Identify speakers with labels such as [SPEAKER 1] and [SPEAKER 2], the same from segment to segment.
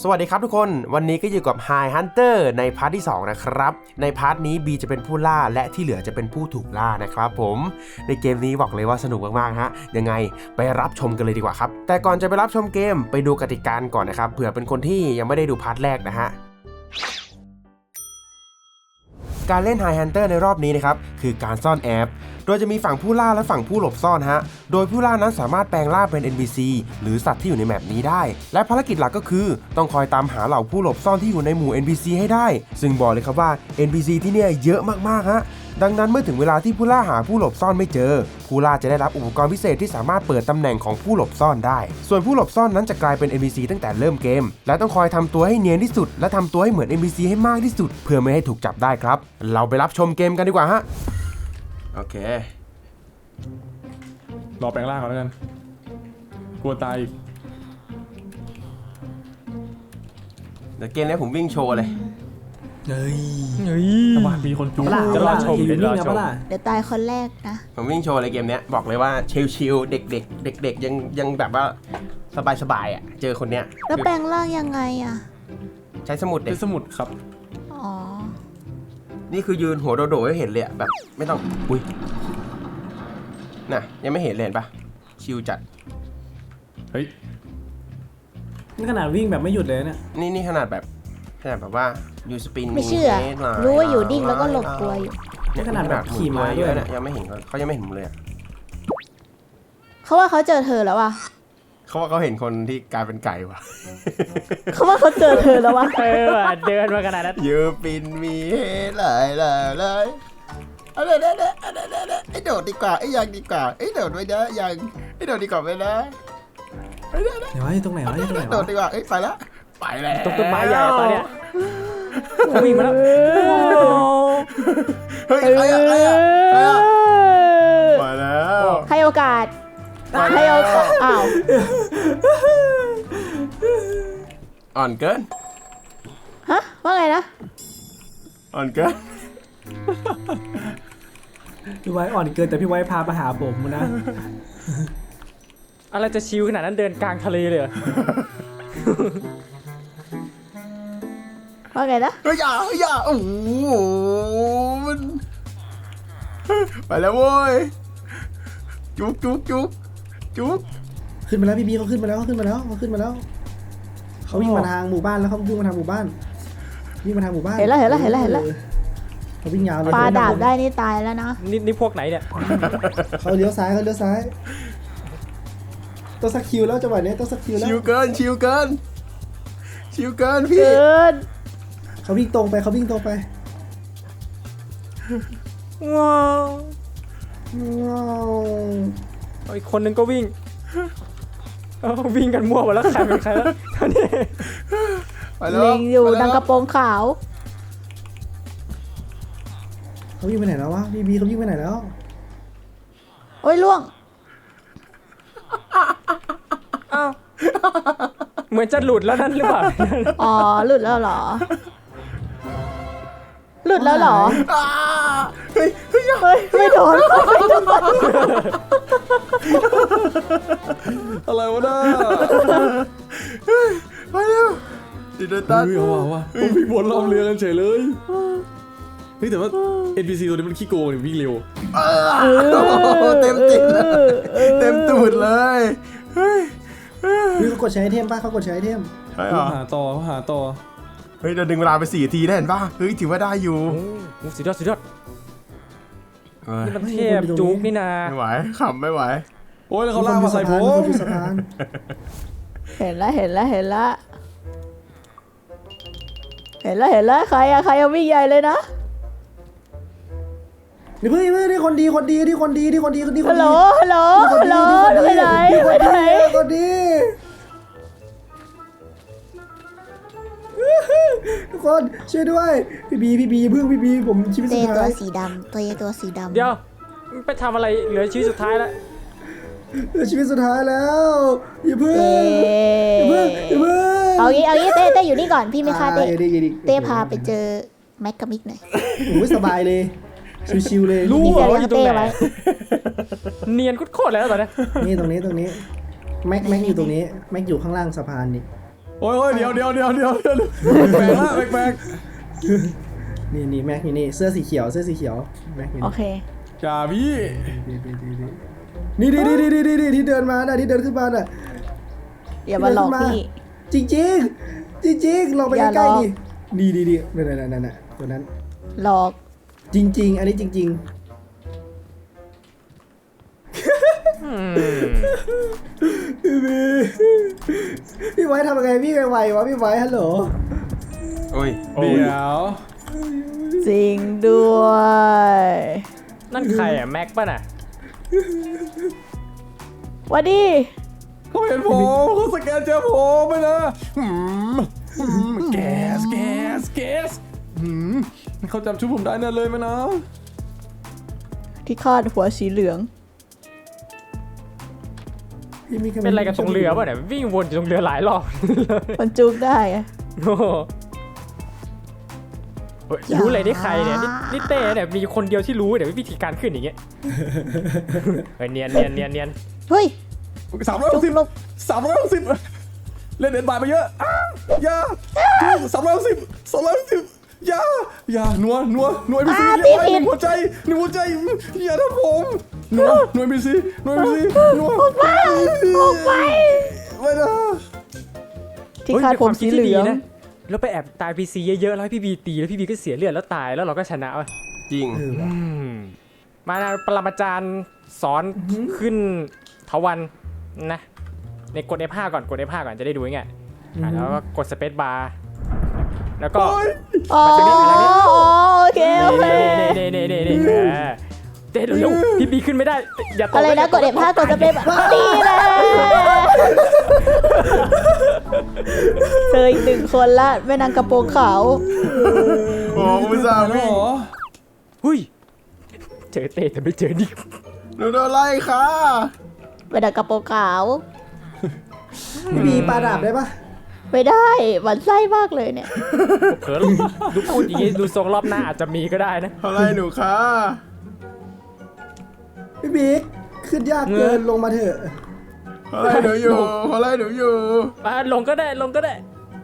[SPEAKER 1] สวัสดีครับทุกคนวันนี้ก็อยู่กับ Hi Hunter ในพาร์ทที่2นะครับในพาร์ทนี้ B จะเป็นผู้ล่าและที่เหลือจะเป็นผู้ถูกล่านะครับผมในเกมนี้บอกเลยว่าสนุกมากๆฮะยังไงไปรับชมกันเลยดีกว่าครับแต่ก่อนจะไปรับชมเกมไปดูกติกาก่อนนะครับเผื่อเป็นคนที่ยังไม่ได้ดูพาร์ทแรกนะฮะการเล่น Hi Hunter ในรอบนี้นะครับคือการซ่อนแอบโดยจะมีฝั่งผู้ล่าและฝั่งผู้หลบซ่อนฮะโดยผู้ล่านั้นสามารถแปลงร่างเป็น NPC หรือสัตว์ที่อยู่ในแมปนี้ได้และภารกิจหลักก็คือต้องคอยตามหาเหล่าผู้หลบซ่อนที่อยู่ในหมู่ NPC ให้ได้ซึ่งบอกเลยครับว่า NPC ที่เนี่ยเยอะมากๆฮะดังนั้นเมื่อถึงเวลาที่ผู้ล่าหาผู้หลบซ่อนไม่เจอผู้ล่าจะได้รับอุปกรณ์พิเศษที่สามารถเปิดตำแหน่งของผู้หลบซ่อนได้ส่วนผู้หลบซ่อนนั้นจะกลายเป็น NPC ตั้งแต่เริ่มเกมและต้องคอยทำตัวให้เนียนที่สุดและทำตัวให้เหมือน NPC ให้มากที่สุดเพื่อไม่ให้ถูกจับได้ครับเราไปรับชมเกมกันดีกว่าฮะโอเค
[SPEAKER 2] รอแปลงร่างก่อนแล้วกันกลัวตายอีก
[SPEAKER 1] เดี๋ยวเกมนี้ผมวิ่งโชว์เลย
[SPEAKER 2] เฮ้ยสวัสดีคนจูจะรอชมเดี๋
[SPEAKER 3] ยวตายคนแรกนะ
[SPEAKER 1] ผมวิ่งโชว์เลยเกมนี้บอกเลยว่าชิลๆเด็กยังแบบว่าสบายอ่ะเจอคนเนี้ย
[SPEAKER 3] แล้วแปลงร่างยังไงอ่ะ
[SPEAKER 1] ใช้สมุดเด็ก
[SPEAKER 2] ใช้สมุดครับ
[SPEAKER 3] อ๋อ
[SPEAKER 1] นี่คือยืนหัวโดดๆให้เห็นเลยแบบไม่ต้องอุ้ยน่ะยังไม่เห็นเลยเห็นปะชิลจัด
[SPEAKER 2] เฮ้ย
[SPEAKER 4] นี่ขนาดวิ่งแบบไม่หยุดเลยเนี่ย
[SPEAKER 1] นี่ขนาดแบบว่ายูสปิน
[SPEAKER 3] ไม่เชื่อรู้ว่าอยู่ดิ้งแล้วก็หลบตัวอยู่
[SPEAKER 4] นี่ขนาดแบบขี่ม้าด้วย
[SPEAKER 1] เนี่ยยังไม่เห็นเขายังไม่เห็นผมเลย
[SPEAKER 3] เขาว่าเขาเจอเธอแล้วว่ะ
[SPEAKER 1] เขาว่าเขาเห็นคนที่กลายเป็นไก่ว่ะ
[SPEAKER 3] เขาว่าเขาเจอเธอแล้วว่ะ
[SPEAKER 4] เดินมาขนาดนั้น
[SPEAKER 1] ยูปินมีเลยไอ้โดดดีกว่าไอ้ยังดีกว่าไอ้โดดไม่ได้ยังไอ้โดดดีกว่าไม่ได้
[SPEAKER 4] เดี๋ยวตรงไหนวะ
[SPEAKER 1] โดดดีกว่าไปแล้ว
[SPEAKER 4] ตรงต้นไม้ใหญ่ตอนเนี้ยวิ่งมาแล้ว
[SPEAKER 1] เฮ้ยใครอะมาแล้ว
[SPEAKER 3] ให้โอกาสอ้าว
[SPEAKER 1] อ่อนเกิน
[SPEAKER 3] ฮะว่าไงนะ
[SPEAKER 1] อ่อนเกิน
[SPEAKER 4] พี่ไว้อ่อนเกินแต่พี่ไว้พาไปหาผมนะอะไรจะชิวขนาดนั้นเดินกลางทะเลเลย
[SPEAKER 3] ว่าไงนะ
[SPEAKER 1] อย่าโอ้โหมันไปแล้วโว้ยจุก
[SPEAKER 4] ขึ้นมาแล้วพี่เขาขึ้นมาแล้วเขาวิ่งมาทางหมู่บ้านแล้วเขาวิ่งมาทางหมู่บ้าน
[SPEAKER 3] เห็นแล้ว
[SPEAKER 4] เขาวิ่งยาวเลย
[SPEAKER 3] ปลาดาบได้นี่ตายแล้วนะ
[SPEAKER 4] นี่พวกไหนเนี่ยเขาเลี้ยวซ้ายต้องสักคิวแล้วจังหวะนี้ต้องสักคิวแล้ว
[SPEAKER 1] ชิวเกินพี่
[SPEAKER 4] เขาวิ่งตรงไป
[SPEAKER 3] ว้าว
[SPEAKER 4] อีกคนนึงก็วิ่งกันมั่วหมดแล้วใครเป็นใครแล้วตอนนี้
[SPEAKER 3] เล็งอยู่ดังกระโปรงขาว
[SPEAKER 4] เขาวิ่งไปไหนแล้ววะบีเขาวิ่งไปไหนแล้ว
[SPEAKER 3] โอ้ยล่วง
[SPEAKER 4] อ้าวเหมือนจะหลุดแล้วนั่นหรือเปล่า
[SPEAKER 3] อ๋อหลุดแล้วเหรอ
[SPEAKER 1] เฮ้ย
[SPEAKER 3] ไม่โดน
[SPEAKER 1] อะไรวะน่าไปเร็วดิเดตัน
[SPEAKER 2] ว่ะต้องวิ่งวนรอบเรือกันเฉยเลยเฮ้ยแต่ว่า NPC ตัวนี้มันขี้โกงเนี่ยวิ่งเร็ว
[SPEAKER 1] เต็มตูดเลยเฮ้ย
[SPEAKER 4] เขากดใช้ไอเทมป่ะเขากดใช้ไอเทม
[SPEAKER 1] ใช่เหรอ
[SPEAKER 2] หาต่อ
[SPEAKER 1] เฮ้ยเราดึงเวลาไป4 นาทีได้เห็นป่ะเฮ้ยถือว่าได้อยู่
[SPEAKER 4] สุดยอดนี่มันเทพจุกนี่นา
[SPEAKER 1] ไม่ไหวขำไม่ไหว
[SPEAKER 2] โอ้ยแล้วเขาล่ามาใส่ผม
[SPEAKER 3] เห็นแล้วใครเอาวิ่งใหญ่เลยนะ
[SPEAKER 4] นี่เพื่อนนี่คนดีฮั
[SPEAKER 3] ลโหลไปไหน
[SPEAKER 4] คนดีทุกคนช่วยด้วยพี่บีเพิ่งพี่บีผมชีวิตสุดท้าย
[SPEAKER 3] ตัวสีดำ
[SPEAKER 4] เดี๋ยวไปทำอะไรเหลือชีวิตสุดท้ายแล้ว
[SPEAKER 3] อย่าเพิ่งเอางี้เต้อยู่นี่ก่อนพี่ไม่ฆ่าเต้พาไปเจอแม็กกับมิกหน่อย
[SPEAKER 4] โอ้ยสบายเลยชิวๆเลย
[SPEAKER 3] รู้ว่าอยู่ตรงไหน
[SPEAKER 4] เนียนโคตรแล้วตอนนี้นี่ตรงนี้แม็กอยู่ตรงนี้แม็กอยู่ข้างล่างสะพานนี่
[SPEAKER 2] โอ้ยเดี๋ยวแปลกละแปลก
[SPEAKER 4] นี่แม็กนี่เสื้อสีเขียวแม็ก
[SPEAKER 3] โอเค
[SPEAKER 2] จ่าพี่
[SPEAKER 4] นี่ที่เดินมาน่ะที่เดินขึ้นมาน่ะ
[SPEAKER 3] อย่ามาหลอกพี่
[SPEAKER 4] จริงลองไป
[SPEAKER 3] อย่า
[SPEAKER 4] ใกล้
[SPEAKER 3] หลอก
[SPEAKER 4] ๆดินี่นั่นตัวนั้น
[SPEAKER 3] หลอก
[SPEAKER 4] จริงอันนี้จริงพี่ไว้ทำยังไงพี่ไววะพี่ไว้ฮัลโหล
[SPEAKER 1] โอ้ย
[SPEAKER 2] เดี๋ยว
[SPEAKER 3] จริงด้วย
[SPEAKER 5] นั่นใครอ่ะแม็กป่ะน่ะ
[SPEAKER 3] หวัดดี
[SPEAKER 2] เขาเห็นผมเขาสแกนเจอผมไปนะแก๊สเขาจำชุดผมได้แน่เลยไหมนะ
[SPEAKER 3] ที่คาดหัวสีเหลือง
[SPEAKER 4] พี่มี
[SPEAKER 5] เป็นอะไรกับตรงเรือป่ะเนี่ยวิ่งวนอยู่ตรงเรือหลายรอบ
[SPEAKER 3] มันจุกได้อะ
[SPEAKER 5] โอ้โหเฮ้ยรู้เลยนี่ใครเนี่ยนี่เต้เนี่ยมีคนเดียวที่รู้เนี่ยวิธีการขึ้นอย่างเงี้ยเฮ้ยเนียน
[SPEAKER 3] เฮ้ย จุก
[SPEAKER 2] 360
[SPEAKER 3] ลก
[SPEAKER 2] 360เล่นเด่นบายไปเยอะอย่า310อย่านัวไอพีซีอย่าไว้หนึ่งหัวใจอย่าทำผมนัวไอพีซีนัวออกไปไม่นะ
[SPEAKER 3] ที่คาดผมสีเหลือง
[SPEAKER 5] นะแล้วไปแอบตายพีซีเยอะๆแล้วให้พี่บีตีแล้วพี่บีก็เสียเลือดแล้วตายแล้วเราก็ชนะว่ะ
[SPEAKER 1] จริง
[SPEAKER 5] มาปรมาจารย์สอนขึ้นทวันนะในกด F5 ก่อนกด F5 ก่อนจะได้ดูง่ายแล้วก็กดสเปซบาร์แล้วก็
[SPEAKER 3] อ๋อโอเค
[SPEAKER 5] นี่เต้เร็วๆพี่บีขึ้นไม่ได้อย่าตก
[SPEAKER 3] อะไรนะกดF5กดสเปซดีเลยเจออีกหนึ่งคนละแม่นางกระโปรงขาว
[SPEAKER 1] โอ้คุณสา
[SPEAKER 2] หร
[SPEAKER 1] มี
[SPEAKER 2] อ
[SPEAKER 5] หุ้ยเจอเต้แต่ไม่เจอนิก
[SPEAKER 1] หนูโดนไล่ค่ะ
[SPEAKER 3] แม่นางกระโปรงขาว
[SPEAKER 4] พี่มีปลาดาบได้ปะ
[SPEAKER 3] ไม่ได้หวั่นไส้มากเลยเนี่ย
[SPEAKER 5] เขินดูพูดอย่างนี้ดูทรงรอบหน้าอาจจะมีก็ได้นะ
[SPEAKER 1] เขาไล่หนูค่ะ
[SPEAKER 4] พี่บิ๊กขึ้นยากเกินลงมาเถอะ
[SPEAKER 1] เขาไล่หนูอยู่
[SPEAKER 5] มาลงก็ได้ลงแล้ว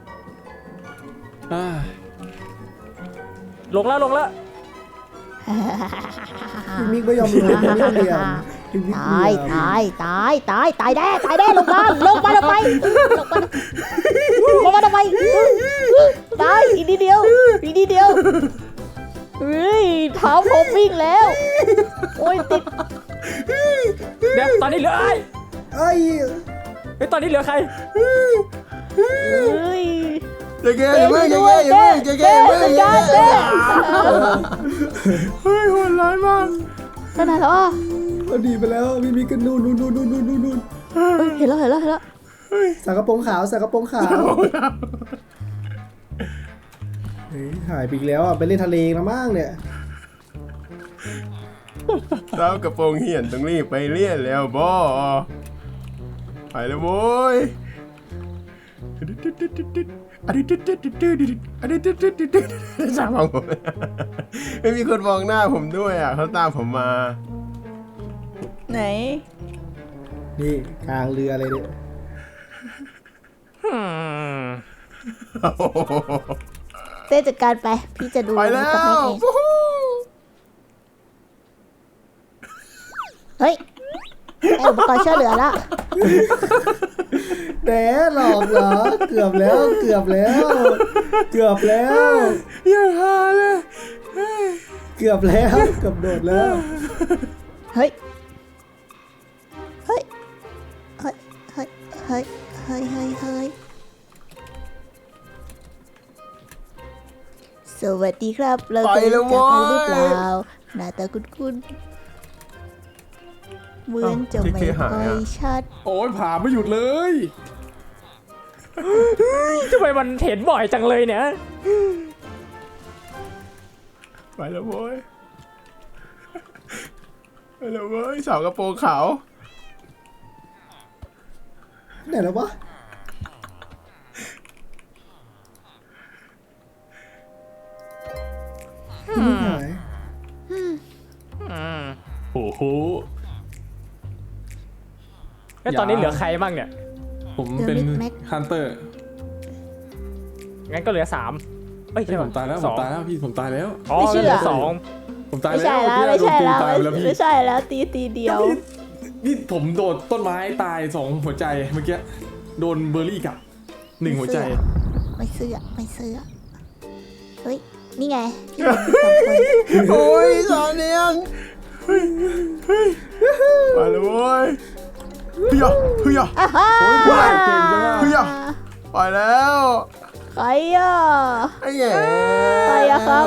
[SPEAKER 4] พี่มิกไม่ยอมลงพี่มิกเหลี่ยมพี่มิก
[SPEAKER 3] ต
[SPEAKER 4] เหลี่
[SPEAKER 3] าย
[SPEAKER 4] ม
[SPEAKER 3] ตายแน่ลงมาทำไมตายอีกนิดเดียวเฮ้ยเท้าผมวิ่งแล้วโอ้ยติด
[SPEAKER 5] เดี๋ยวตอนนี้เหลือ
[SPEAKER 4] เอ้ย
[SPEAKER 5] เฮ้ยตอนนี้เหลือใคร
[SPEAKER 3] เฮ้ย
[SPEAKER 1] จะแก้อย่าเพิ่งจะแก้อย่าเพิ่งจะแก้อย่าเพิ่งอย่าเพิ่งเฮ้ยโหดร้ายมาก
[SPEAKER 3] ขนาดแล้วอ่ะ
[SPEAKER 4] มันดีไปแล้วพี่มิกกันนู่น
[SPEAKER 3] เฮ้ยเห็นแล้ว
[SPEAKER 4] สากระโปรงขาวเฮ้ยหายไปอีกแล้วอ่ะไปเล่นทะเลมามั่งเนี่ย
[SPEAKER 1] เจ้ากระโปรงเหี่ยนต้องรีบไปเลี่ยนแล้วบอไปแล้วโว้ยสามองผมไม่มีคนมองหน้าผมด้วยอ่ะเขาตามผมมา
[SPEAKER 3] ไหน
[SPEAKER 4] นี่กลางเรือเลยเนี่ย
[SPEAKER 3] เต้จัดการไปพี่จะดู
[SPEAKER 1] ไปแล้
[SPEAKER 3] กับแม่
[SPEAKER 1] ว
[SPEAKER 3] เองเฮ้ยไอ้อุปกรณ์ช่วยเหลือละ
[SPEAKER 4] แหมหลอกเหรอเกือบแล้ว
[SPEAKER 1] อย่าหาเลย
[SPEAKER 4] เกือบโดดแล้ว
[SPEAKER 3] เฮ้ยสวัสดีครับเราเคยรู้จักกันหรือเปล่าหน้าตาคุ้นเหมือนจะไม่ค่อยชัด
[SPEAKER 2] โอ้ยผ่าไม่หยุดเลย
[SPEAKER 5] ทำไมมันเห็นบ่อยจังเลยเนี่ย
[SPEAKER 1] ไปแล้วโว้ยสาวกระโปรงขาว
[SPEAKER 4] ไหนแล้ววะพี่มิกหาย
[SPEAKER 2] โอ้โห
[SPEAKER 5] แล้วตอนนี้เหลือใครบ้างเนี่ย
[SPEAKER 2] ผมเป็นฮันเตอร์
[SPEAKER 5] งั้นก็เหลือ3เอ้ย
[SPEAKER 2] พี่
[SPEAKER 5] ใช่
[SPEAKER 2] ผ
[SPEAKER 5] ป่ะ
[SPEAKER 2] มตายแล้ว
[SPEAKER 5] ส
[SPEAKER 2] ผ
[SPEAKER 5] อ
[SPEAKER 2] ม
[SPEAKER 5] ง
[SPEAKER 2] ตายแล้วพี่ผมตายแล้ว
[SPEAKER 5] อ๋อ
[SPEAKER 3] ไม่เชื่อ
[SPEAKER 5] เหลือ2
[SPEAKER 2] ผมตาย
[SPEAKER 3] ไม่
[SPEAKER 2] แล้ว
[SPEAKER 3] ใช่แล้ว
[SPEAKER 2] พี่
[SPEAKER 3] ไม่ใช่
[SPEAKER 2] โดน
[SPEAKER 3] แล้ว
[SPEAKER 2] ตายไปแล้วพี่
[SPEAKER 3] ไม่ใช่แล้วตีเดียว
[SPEAKER 2] พี่ผมโดดต้นไม้ตาย2หัวใจเมื่อกี้โดนเบอร์รี่กัด1หัวใจ
[SPEAKER 3] ไม่เสื้อเฮ้ยนี่ไงพี่เห็นอยู่2 คน
[SPEAKER 1] โอ้ยสอนเนียงไปเลยเว้ยเฮียเฮีย
[SPEAKER 3] อ่าฮ่า
[SPEAKER 2] เก่งจังอะ
[SPEAKER 1] เฮียไปแล้ว
[SPEAKER 3] ใครอ่ะ
[SPEAKER 1] ไอ้แง่
[SPEAKER 3] ใครอะครับ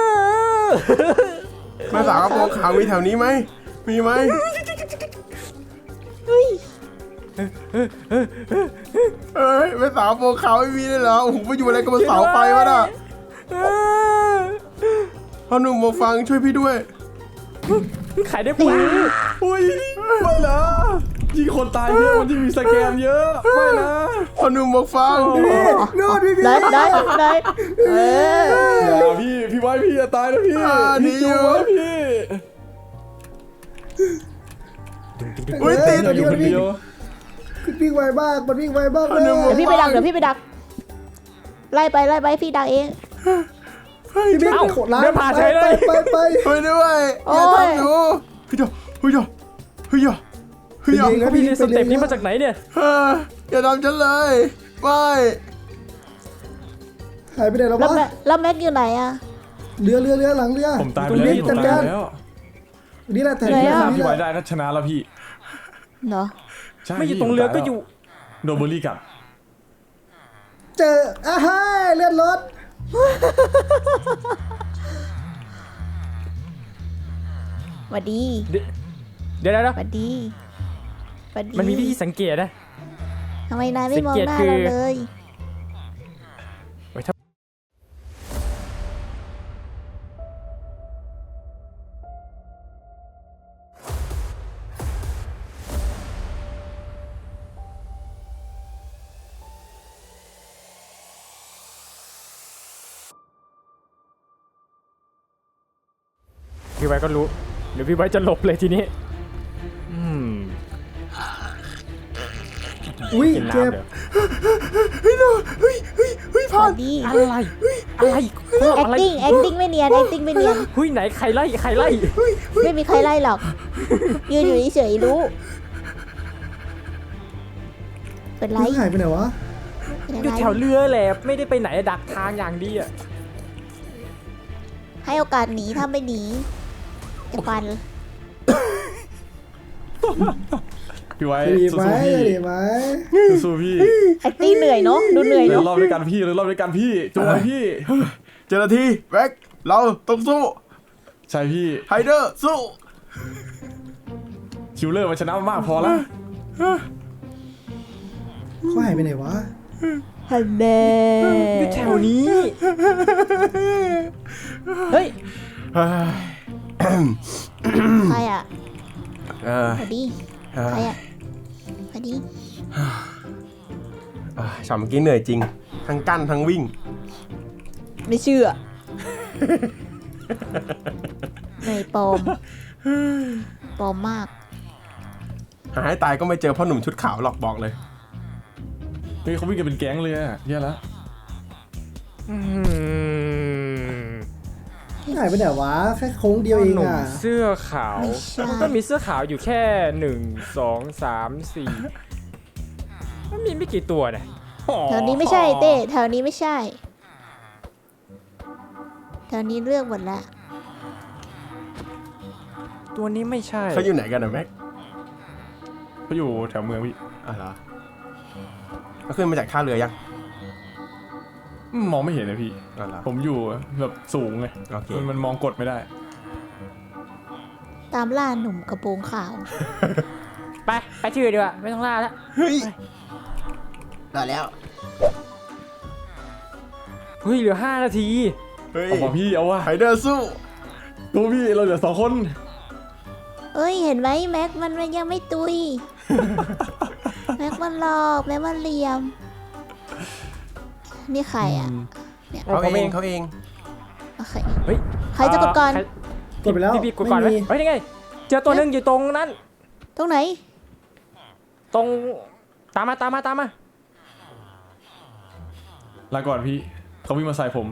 [SPEAKER 1] แม่สาวกระโปรงขาวมีแถวนี้ไหมมีไหม
[SPEAKER 3] เฮ้ย
[SPEAKER 1] เอ้ยแม่สาวกระโปรงขาวไม่มีเลยเหรอโอ้โหไปอยู่อะไรกับเสาไฟวะน่ะพ่อหนุ่มมาฟังช่วยพี่ด้วย
[SPEAKER 5] ขายได้ปุ๋ย
[SPEAKER 2] อุ้ยไม่นะยิงคนตายเยอะมันยิ่งมีสแกมเยอะไม่นะ
[SPEAKER 1] พ่อหนุ่มมาฟัง
[SPEAKER 4] โน่นพี่
[SPEAKER 3] ได้เออ
[SPEAKER 2] อย่าพี่ไว้พี่จะตายนะพี่
[SPEAKER 1] ดี
[SPEAKER 2] พี่
[SPEAKER 1] อ
[SPEAKER 2] จู
[SPEAKER 1] ยู่
[SPEAKER 2] ไว้พี่
[SPEAKER 1] อุ้ยติด
[SPEAKER 2] อยู่คนเดียว
[SPEAKER 4] วิ่งไวมากมันวิ่งไวมากเลย
[SPEAKER 3] เดี๋ยวพี่ไปดักไล่ไปพี่ดักเอง
[SPEAKER 4] พี่บิ๊ก
[SPEAKER 5] เอ้า
[SPEAKER 4] โคตรร้าน
[SPEAKER 5] เดินผ่านเฉยเลย
[SPEAKER 4] ไป
[SPEAKER 1] ช่วยด้วยอย่าทำหนูเฮ้ยเฮ้ยเฮ้ยเฮ้ย
[SPEAKER 4] ไปเองนะ
[SPEAKER 5] พี่
[SPEAKER 4] พี่
[SPEAKER 5] เรียนสเต็ปนี้มาจากไหนเนี่ย
[SPEAKER 1] อย่าทำฉันเลยไม่
[SPEAKER 4] หายไปไหนแล้ววะ
[SPEAKER 3] แล้วแม็กอยู่ไหนอ่ะ
[SPEAKER 4] เรือหลังเรือ
[SPEAKER 2] ผมตายไปแล้ว
[SPEAKER 4] พี่
[SPEAKER 2] ผม
[SPEAKER 4] จัด
[SPEAKER 2] ตาย
[SPEAKER 4] การ
[SPEAKER 2] แล้ว
[SPEAKER 4] นี่แหละแต่
[SPEAKER 3] ไหนอะ
[SPEAKER 2] ถ้า
[SPEAKER 4] นี่
[SPEAKER 2] พี่
[SPEAKER 4] แห
[SPEAKER 2] ไว้
[SPEAKER 4] ละ
[SPEAKER 2] ได้ก็ชนะแล้วพี่
[SPEAKER 3] เนาะ
[SPEAKER 2] ใช่
[SPEAKER 5] ไม่อยู่ตรงเรือก็อยู่
[SPEAKER 2] โดนเบอร์รี่กัด
[SPEAKER 4] เจออ่ะเฮ้ยเลือดรถ
[SPEAKER 3] หวัดดี
[SPEAKER 5] เดี๋ยว
[SPEAKER 3] หวัดดีหวัดดี
[SPEAKER 5] มันมีวิธีสังเกตนะ
[SPEAKER 3] ทำไมนายไม่มองหน้า
[SPEAKER 5] สังเกตคือ
[SPEAKER 3] เราเลย
[SPEAKER 5] พี่ไว้ก็รู้เดี๋ยวพี่ไว้จะหลบเลยทีนี้ม
[SPEAKER 4] อุ้ย
[SPEAKER 5] กิน
[SPEAKER 4] เจ็บ
[SPEAKER 5] น้ำเดี๋ยว
[SPEAKER 3] หวัดดี
[SPEAKER 5] อะไรอะไร
[SPEAKER 3] acting ไม่เนียน acting ไม่เนียน
[SPEAKER 5] เฮ้ยไหนใครไล่
[SPEAKER 3] ไม่มีใครไล่หรอก ยืนอยู่เฉยๆรู้ เป็นไร
[SPEAKER 4] เรือหายไปไหนวะ
[SPEAKER 3] เป็น
[SPEAKER 5] อยู่
[SPEAKER 3] ไร
[SPEAKER 5] แถวเรือแหละไม่ได้ไปไหนดักทางอย่างดีอ่ะ
[SPEAKER 3] ให้โอกาสหนีถ้าไม่หนีจะฟัน
[SPEAKER 2] พี่ไว้
[SPEAKER 4] ดี
[SPEAKER 2] สู้
[SPEAKER 4] ไหม
[SPEAKER 2] ๆพี่
[SPEAKER 4] ดีไหม
[SPEAKER 2] สู้ๆพี่
[SPEAKER 3] acting เหนื่อยเนาะดูเหนื่อย
[SPEAKER 2] เดี๋ยว
[SPEAKER 3] เนาะ
[SPEAKER 2] รอบด้วยกันพี่เดี๋ยวรอบด้วยกันพี่จูไว้พี่
[SPEAKER 1] เจ้าหน้าที่แบ็คเราต้องสู้
[SPEAKER 2] ใช่พี่
[SPEAKER 1] ไฮเดอร์สู้
[SPEAKER 2] คิวเลอร์มันชนะมากพอแล้ว
[SPEAKER 4] เขาหายไปไหนวะ
[SPEAKER 3] ฮันเน่
[SPEAKER 5] อยู่แถวนี้เฮ้ย
[SPEAKER 3] ใครอ่ะ
[SPEAKER 1] เออ
[SPEAKER 3] สวัสดีใครอ่ะสวัสดี
[SPEAKER 1] ฉ่ำเมื่อกี้เหนื่อยจริง ทั้งกั้นทั้งวิ่ง
[SPEAKER 3] ไม่เชื่อเหนื่อยปลอมปลอมมาก
[SPEAKER 1] หาให้ตายก็ไม่เจอพ่อหนุ่มชุดขาวหรอกบอกเลย
[SPEAKER 2] เฮ้ยเขาวิ่งกันเป็นแก๊งเลยอะแย่แล้ว
[SPEAKER 4] หายไปไหนวะแค่โค้งเดียวเอง
[SPEAKER 5] หนุ่ม
[SPEAKER 4] อ่ะ
[SPEAKER 5] เสื้อขาว
[SPEAKER 3] ไม่ใช่
[SPEAKER 5] มันก็มีเสื้อขาวอยู่แค่1 2 3 4มันมีไม่กี่ตัวนะ
[SPEAKER 3] แถวนี้ไม่ใช่เต้แถวนี้ไม่ใช่แถวนี้เลือกหมดละ
[SPEAKER 5] ตัวนี้ไม่ใช่
[SPEAKER 1] เขาอยู่ไหนกันนะแม็ก
[SPEAKER 2] เขาอยู่แถวเมืองพี่
[SPEAKER 1] อ๋อเหรอเขาขึ้นมาจากท่าเรือยัง
[SPEAKER 2] มองไม่เห็นเลยพี่
[SPEAKER 1] อ๋อเหรอ
[SPEAKER 2] ผมอยู่แบบสูงไง
[SPEAKER 1] โอเค
[SPEAKER 2] มันมองกดไม่ได้
[SPEAKER 3] ตามล่าหนุ่มกระโปรงขาว
[SPEAKER 5] ไปที่อื่นดีกว่าไม่ต้องล่าแล้ว
[SPEAKER 1] เฮ้ยได้แล้ว
[SPEAKER 5] เฮ้ยเหลือ5 นาที
[SPEAKER 1] เฮ้ย
[SPEAKER 2] เอาว่ะพี่เอาว่ะ
[SPEAKER 1] ไฮเดอร์สู้
[SPEAKER 2] ตัวพี่เราเหลือ2 คน
[SPEAKER 3] เอ้ยเห็นไหมแม็กมันยังไม่ตุย แม็กมันหลอกแม็กมันเหลี่ยม นี่ใครอ่ะ
[SPEAKER 1] เขาเองเขาเอง
[SPEAKER 3] โอเค
[SPEAKER 5] เฮ้ย
[SPEAKER 3] ใครจะกดก่อน
[SPEAKER 5] ใคร
[SPEAKER 4] กดไปแล้ว
[SPEAKER 5] พี่กดก่อนไหม
[SPEAKER 4] ไม่มี
[SPEAKER 5] เฮ้ยยังไงเจอตัวหนึงอยู่ตรงนั้น
[SPEAKER 3] ตรงไหน
[SPEAKER 5] ตรงตามมา
[SPEAKER 2] ลาก่อนพี่เขาวิ่งมาใส่ผม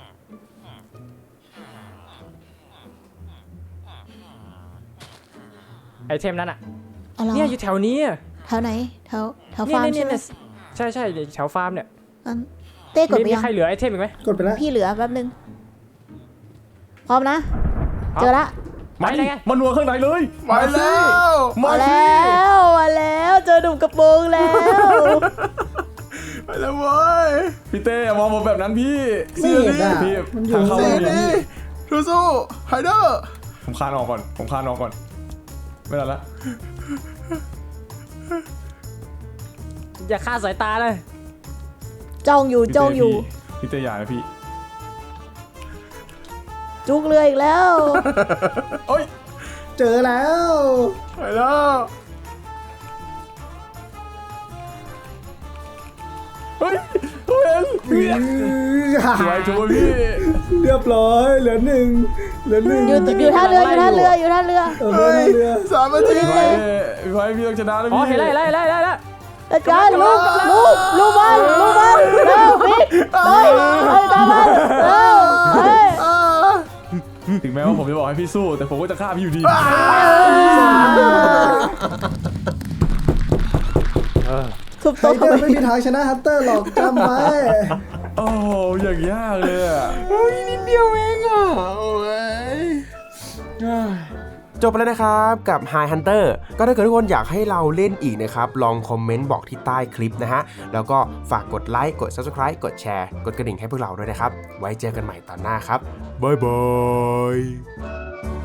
[SPEAKER 5] ไอเทมนั้นอ่ะ
[SPEAKER 3] อ๋อเหรอ
[SPEAKER 5] เนี่ยอยู่แถวนี้อะ
[SPEAKER 3] แถวไหนแถว
[SPEAKER 5] เนี่ย
[SPEAKER 3] ฟาร์ม
[SPEAKER 5] เนี่ย
[SPEAKER 3] ใช่ไหม
[SPEAKER 5] เนี่ยใช่ใช่แถวฟาร์มเนี่ย
[SPEAKER 3] งั้นเต้กดไป
[SPEAKER 5] มี
[SPEAKER 3] ยัง
[SPEAKER 5] ใครเหลือไอเทมอีกไหม
[SPEAKER 4] กดไปแล้ว
[SPEAKER 3] พี่เหลือแป๊บนึงพร้อมนะ เจอละ
[SPEAKER 5] ไปไหนไง
[SPEAKER 2] มันนัวข้างในเลย
[SPEAKER 1] มาแล้ว
[SPEAKER 2] มา
[SPEAKER 3] มา
[SPEAKER 2] สิ
[SPEAKER 3] แล้วมาแล้วเจอหนุ่มกระโปรงแล้ว
[SPEAKER 1] ไปแล้วเว้ย
[SPEAKER 2] พี่เต้อย่ามองผมแบบนั้นพี่
[SPEAKER 4] ไม่เห็นอ่ะ
[SPEAKER 2] พี่
[SPEAKER 4] มันอยู่
[SPEAKER 2] ทางเข้า
[SPEAKER 1] เซ
[SPEAKER 2] ไม่มี
[SPEAKER 1] นี่สู้ไฮเดอร์
[SPEAKER 2] ผมคานออกก่อนผมคานออกก่อนไม่ได้ละ
[SPEAKER 5] อย่าฆ่าสายตาเลย
[SPEAKER 3] จ้องอยู่จ้องอยู่
[SPEAKER 2] พี่เต้อย่านะพี่
[SPEAKER 3] จุกเรืออีกแล้ว
[SPEAKER 2] โอ้ย
[SPEAKER 4] เจอแล้ว
[SPEAKER 1] ไปแล้ว
[SPEAKER 2] เฮ้ยเขาเห็นสวยจังพี่
[SPEAKER 4] เรียบร้อยเหลือหนึ่งเหลือหนึ่ง
[SPEAKER 3] อยู่ท่าเรืออยู่ท่าเรืออยู่ท่าเรือ
[SPEAKER 4] เออเรือเรือ
[SPEAKER 1] 3 นาที
[SPEAKER 2] พี่ไว้พี่ต้องชนะแล้ว
[SPEAKER 5] อ๋อ
[SPEAKER 2] พี่
[SPEAKER 5] เห็นแล้ว
[SPEAKER 3] จัดการลูกมันลูกมันเร็วพี่เฮ้ยตามมันเร็วเฮ้ย
[SPEAKER 2] ถึงแม้ว่าผมจะบอกให้พี่สู้แต่ผมก็จะฆ่าพี่อยู่ดี
[SPEAKER 3] ทุบ
[SPEAKER 4] ไฮ
[SPEAKER 3] โต๊ะ
[SPEAKER 4] เด
[SPEAKER 3] ทำ
[SPEAKER 4] อ
[SPEAKER 3] ไม
[SPEAKER 4] ร์ไม่มีทางชนะฮันเตอร์หรอกจำไว้
[SPEAKER 2] โอ้โหอย่างยากเลยอะ
[SPEAKER 1] นิดเดียวเองอ่ะโอ้ยจบไปแล้วนะครับกับ High Hunter ก็ถ้าเกิดทุกคนอยากให้เราเล่นอีกนะครับ ลองคอมเมนต์บอกที่ใต้คลิปนะฮะ แล้วก็ฝากกดไลค์กด Subscribe กดแชร์กดกระดิ่งให้พวกเราด้วยนะครับ ไว้เจอกันใหม่ตอนหน้าครับ บ๊ายบาย